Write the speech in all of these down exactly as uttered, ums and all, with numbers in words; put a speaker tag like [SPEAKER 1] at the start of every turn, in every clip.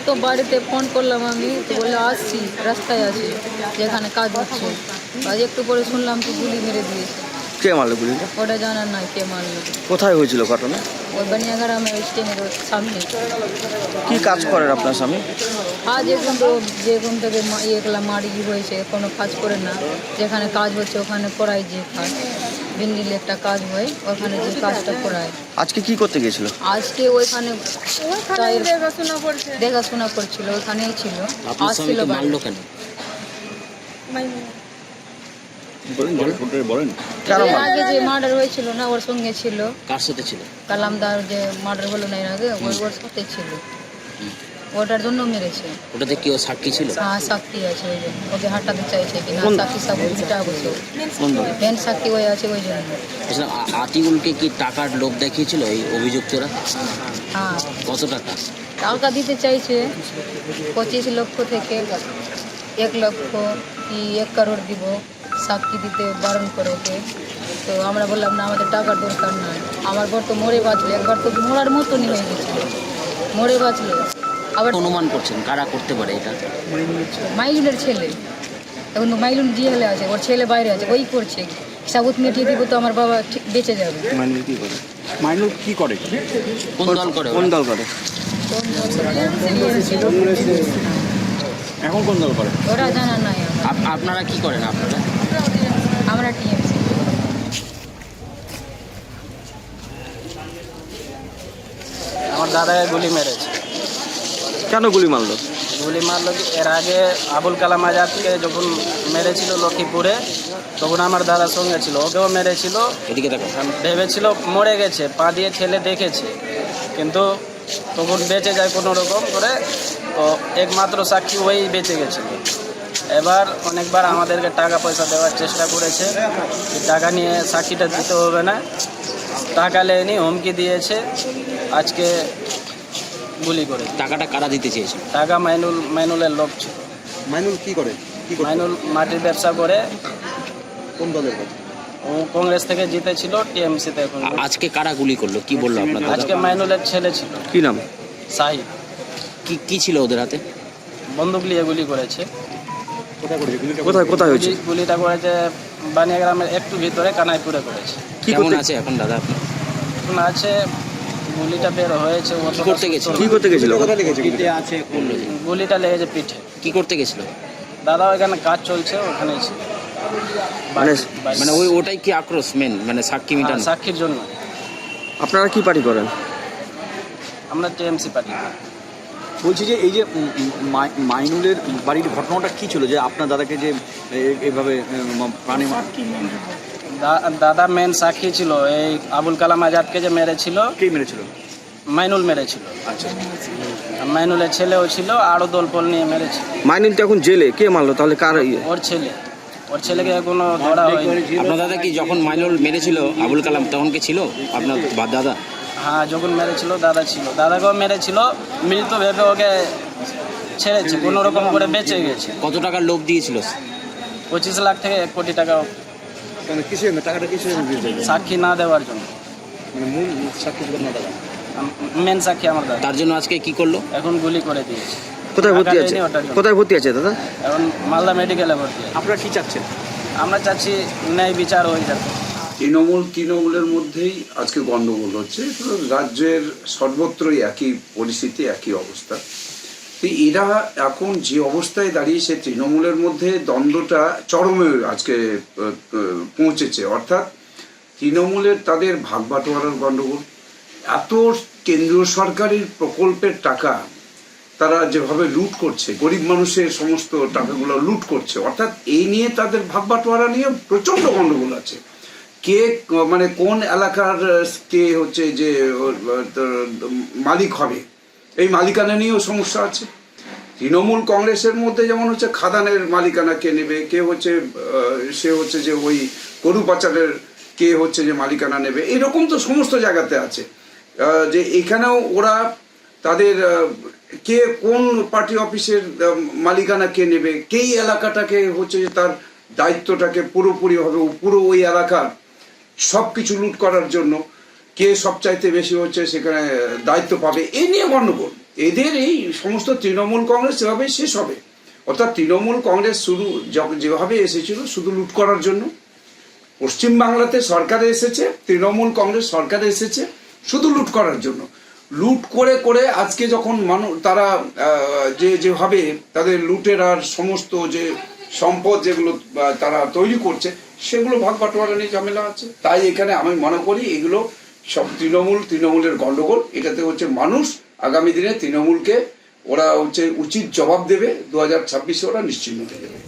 [SPEAKER 1] তো বাড়িতে ফোন করলাম আমি, তো বললো আসছি, রাস্তায় আছি, যেখানে কাজ হচ্ছে। আজ একটু পরে শুনলাম তো গুলি মেরে দিয়েছে।
[SPEAKER 2] কে মারলো গুলিটা?
[SPEAKER 1] ওটা জানার নাই কে মারলো।
[SPEAKER 2] কোথায় হয়েছিল ঘটনা?
[SPEAKER 1] ওই বানিয়াগ্রামের স্টেনের সামনে।
[SPEAKER 2] কি কাজ করেন আপনার স্বামী?
[SPEAKER 1] আজ এখন তো যেরকম থেকে ইয়েগুলা মারি হয়েছে, কোনো কাজ করে না। যেখানে কাজ হচ্ছে ওখানে করাই, যে কাজ বিন্দিলে একটা কাজ হয় ওখানে যে কাজটা করায়।
[SPEAKER 2] আজকে কি করতে গেছিল?
[SPEAKER 1] আজকে ওইখানে দেখাশোনা করছে, দেখাশোনা করছিল, ওখানেই ছিল। আসছিল
[SPEAKER 3] মারলো কেন?
[SPEAKER 1] আগে যে মার্ডার হয়েছিল না, ওর সঙ্গে ছিল।
[SPEAKER 3] কার সাথে ছিল?
[SPEAKER 1] কালামদার যে মার্ডার হলো না এর আগে, ওই ওর সাথে ছিল। ওটার জন্য মেরেছে।
[SPEAKER 3] ওটাতে কি ও সাক্ষী ছিল?
[SPEAKER 1] হ্যাঁ সাক্ষী আছে, ওই জন্য ওকে হাঁটাতে চাইছে কিনা সাক্ষী সব উল্টা বসে মেন সাক্ষী হয়ে আছে ওই জন্য।
[SPEAKER 3] আতিকুলকে কি টাকার লোভ দেখিয়েছিল এই অভিযুক্তরা?
[SPEAKER 1] হ্যাঁ
[SPEAKER 3] কত টাকা?
[SPEAKER 1] টাকা দিতে চাইছে পঁচিশ লক্ষ থেকে এক লক্ষ কি এক করোড় দিব, সাক্ষী দিতে বারণ করে ওকে। তো আমরা বললাম না, আমাদের টাকার দরকার নাই, আমার বর তো মরে বাঁচলো, একবার তো মরার মতনই হয়ে গেছিল, মরে বাঁচলো। আবার
[SPEAKER 3] অনুমান করছেন কারা করতে পারে এটা?
[SPEAKER 1] মাইলুনের ছেলে, এখন মাইলুন জিহেলে আছে, ওর ছেলে বাইরে আছে, ওই করছে। সাবুত মিটিয়ে দিব তো আমার বাবা ঠিক বেঁচে যাবে।
[SPEAKER 2] মাইনুল কি করে? মাইনুল কি করে?
[SPEAKER 3] কোন দল করে?
[SPEAKER 2] কোন দল করে? এখন কোন দল করে
[SPEAKER 1] ওরা জানা নাই।
[SPEAKER 3] আপ- আপনারা কি করেন? আপনারা?
[SPEAKER 1] আমরা টিএমসি।
[SPEAKER 4] আমার দাদাকে গুলি মেরেছে।
[SPEAKER 2] কেন গুলি মারলো?
[SPEAKER 4] গুলি মারলো কি, এর আগে আবুল কালাম আজাদকে যখন মেরেছিল লক্ষ্মীপুরে, তখন আমার দাদার সঙ্গে ছিল, ওকেও মেরেছিল।
[SPEAKER 3] এদিকে দেখো।
[SPEAKER 4] ভেবেছিল মরে গেছে, পা দিয়ে ঠেলে দেখেছে, কিন্তু তখন বেঁচে যায় কোনো রকম করে। তো একমাত্র সাক্ষী ওই বেঁচে গেছিল। এবার অনেকবার আমাদেরকে টাকা পয়সা দেওয়ার চেষ্টা করেছে, টাকা নিয়ে সাক্ষীটা দিতে হবে না, টাকা লেয়নি, হুমকি দিয়েছে। আজকে গুলি করে।
[SPEAKER 3] টাকাটা কারা দিতে চেয়েছে?
[SPEAKER 4] টাকা মাইনুল মাইনুলের লোক ছিল।
[SPEAKER 2] মাইনুল কি করে? কি করে?
[SPEAKER 4] মাইনুল মাটির ব্যবসা করে।
[SPEAKER 2] কোন দলের করে?
[SPEAKER 4] ও কংগ্রেস থেকে জিতেছিল, টিএমসিতে এখন।
[SPEAKER 3] আ- আজকে কারা গুলি করলো কি বললো আপনার দাদা?
[SPEAKER 4] আজকে মাইনুলের ছেলে ছিল
[SPEAKER 2] কি নাম?
[SPEAKER 4] সাহিদ,
[SPEAKER 3] কি কি ছিল ওদের হাতে?
[SPEAKER 4] বন্দুক নিয়ে গুলি করেছে।
[SPEAKER 2] কোথায় কোথায় হয়েছে?
[SPEAKER 4] গুলি- গুলিটা করেছে বানিয়াগ্রামের একটু ভিতরে, কানাইপুরে করেছে।
[SPEAKER 2] কি
[SPEAKER 3] কেমন
[SPEAKER 2] করতে
[SPEAKER 3] আছে এখন দাদা আপনার?
[SPEAKER 4] এখন আছে, গুলিটা বের হয়েছে। ও
[SPEAKER 3] কি করতে গেছিল?
[SPEAKER 2] কি করতে গেছিল?
[SPEAKER 3] পিঠে আছে করলো যে।
[SPEAKER 4] গুলিটা লেগেছে পিঠে।
[SPEAKER 3] কি করতে গেছিল?
[SPEAKER 4] দাদা ওইখানে কাজ চলছে, ওখানেই ছিল।
[SPEAKER 2] মানে
[SPEAKER 4] বাড়ি-
[SPEAKER 3] মানে ওই ওটাই কি আক্রোশ মেন, মানে সাক্ষী
[SPEAKER 4] হ্যাঁ,
[SPEAKER 3] মিটান?
[SPEAKER 4] সাক্ষীর জন্য।
[SPEAKER 2] আপনারা কি পার্টি করেন?
[SPEAKER 4] আমরা টিএমসি পার্টি।
[SPEAKER 5] বলছি যে এই যে উম, উম, মাই- মাইনুলের বাড়ির ঘটনাটা কি ছিল যে আপনার দাদাকে যে এ- এইভাবে উম, প্রাণে মা-
[SPEAKER 4] দা- দাদা মেন সাক্ষী ছিল, এই আবুল কালাম আজাদকে যে মেরেছিল,
[SPEAKER 5] কে মেরেছিল?
[SPEAKER 4] মাইনুল মেরেছিল।
[SPEAKER 5] আচ্ছা,
[SPEAKER 4] মাইনুলের ছেলেও ছিল, আরও দলপল নিয়ে মেরেছিল।
[SPEAKER 2] মাইনুল তো এখন জেলে, কে মারলো তাহলে? কার ইয়ে?
[SPEAKER 4] ওর ছেলে, ওর ছেলেকে এখনো ধরা হয়নি।
[SPEAKER 3] আপনার দাদা কি যখন মাইনুল মেরেছিল আবুল কালাম তখন কি ছিল আপনার বা- দাদা?
[SPEAKER 4] হ্যাঁ, যখন মেরেছিল দাদা ছিল, দাদাকেও মেরেছিল, মৃত ভেবে ওকে ছেড়েছে, কোনো রকম করে বেঁচে গেছে।
[SPEAKER 3] কত টাকার লোভ দিয়েছিল?
[SPEAKER 4] পঁচিশ লাখ থেকে এক কোটি টাকা
[SPEAKER 5] মানে কিসের জন্য টাকাটা কিসের জন্য দিয়েছে?
[SPEAKER 4] সাক্ষী না দেওয়ার জন্য।
[SPEAKER 5] মানে মূল সাক্ষী ছিল আপনার দাদা।
[SPEAKER 4] মেন সাক্ষী আমার দাদা।
[SPEAKER 3] তার জন্য আজকে কি করলো?
[SPEAKER 4] এখন গুলি করে দিয়েছে।
[SPEAKER 2] কোথায় ভর্তি
[SPEAKER 4] টাকা
[SPEAKER 2] আছে?
[SPEAKER 4] দেয়নি ওটার জন্য।
[SPEAKER 2] কোথায় ভর্তি আছে দাদা?
[SPEAKER 4] এখন মালদা মেডিকেলে ভর্তি।
[SPEAKER 5] আপনারা কি চাচ্ছেন?
[SPEAKER 4] আমরা চাচ্ছি ন্যায় বিচার হয়ে যাবে।
[SPEAKER 6] তৃণমূল তৃণমূলের মধ্যেই আজকে গণ্ডগোল হচ্ছে। তো রাজ্যের সর্বত্রই একই পরিস্থিতি, একই অবস্থা। তো এরা এখন যে অবস্থায় দাঁড়িয়েছে, তৃণমূলের মধ্যে দ্বন্দ্বটা চরমে আজকে আহ, আহ, পৌঁছেছে। অর্থাৎ তৃণমূলের তাদের ভাগ বাটোয়ারার গণ্ডগোল, এত কেন্দ্রীয় সরকারের প্রকল্পের টাকা তারা যেভাবে লুট করছে, গরিব মানুষের সমস্ত টাকাগুলো লুট করছে, অর্থাৎ এই নিয়ে তাদের ভাগ বাটোয়ারা নিয়ে প্রচণ্ড গণ্ডগোল আছে। কে মানে কোন এলাকার কে হচ্ছে যে মালিক হবে, এই মালিকানা নিয়েও সমস্যা আছে। তৃণমূল কংগ্রেসের মধ্যে যেমন হচ্ছে খাদানের মালিকানা কে নেবে, কে হচ্ছে সে হচ্ছে যে ওই গরু পাচারের কে হচ্ছে যে মালিকানা নেবে, এরকম তো সমস্ত জায়গাতে আছে। যে এখানেও ওরা তাদের কে কোন পার্টি অফিসের মালিকানা কে নেবে, কেই এলাকাটাকে হচ্ছে যে তার দায়িত্বটাকে পুরোপুরিভাবে পুরো ওই এলাকার সব কিছু লুট করার জন্য কে সবচাইতে বেশি হচ্ছে সেখানে দায়িত্ব পাবে, এই নিয়ে গণ্ডগোল। এদের এই সমস্ত তৃণমূল কংগ্রেস এভাবেই শেষ হবে। অর্থাৎ তৃণমূল কংগ্রেস শুরু যখ- যেভাবে এসেছিল শুধু লুট করার জন্য, পশ্চিমবাংলাতে সরকারে এসেছে, তৃণমূল কংগ্রেস সরকারে এসেছে শুধু লুট করার জন্য। লুট করে করে আজকে যখন মানুষ তারা আহ, যে যেভাবে তাদের লুটের আর সমস্ত যে সম্পদ যেগুলো আহ, তারা তৈরি করছে সেগুলো ভাগ বাটোয়ারা নিয়ে ঝামেলা আছে। তাই এখানে আমি মনে করি এগুলো সব তৃণমূল তৃণমূলের গন্ডগোল। এটাতে হচ্ছে মানুষ আগামী দিনে তৃণমূলকে ওরা হচ্ছে উচিত জবাব দেবে, দু হাজার ছাব্বিশে ওরা নিশ্চিন্ন হয়ে যাবে।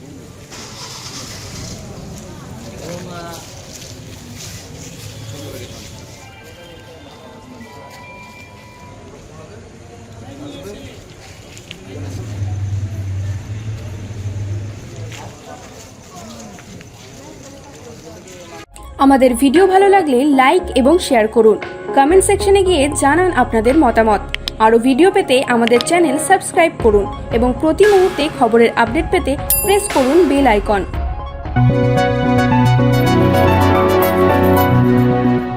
[SPEAKER 7] আমাদের ভিডিও ভালো লাগলে লাইক এবং শেয়ার করুন। কমেন্ট সেকশনে গিয়ে জানান আপনাদের মতামত। আরও ভিডিও পেতে আমাদের চ্যানেল সাবস্ক্রাইব করুন এবং প্রতি মুহূর্তে খবরের আপডেট পেতে প্রেস করুন বেল আইকন।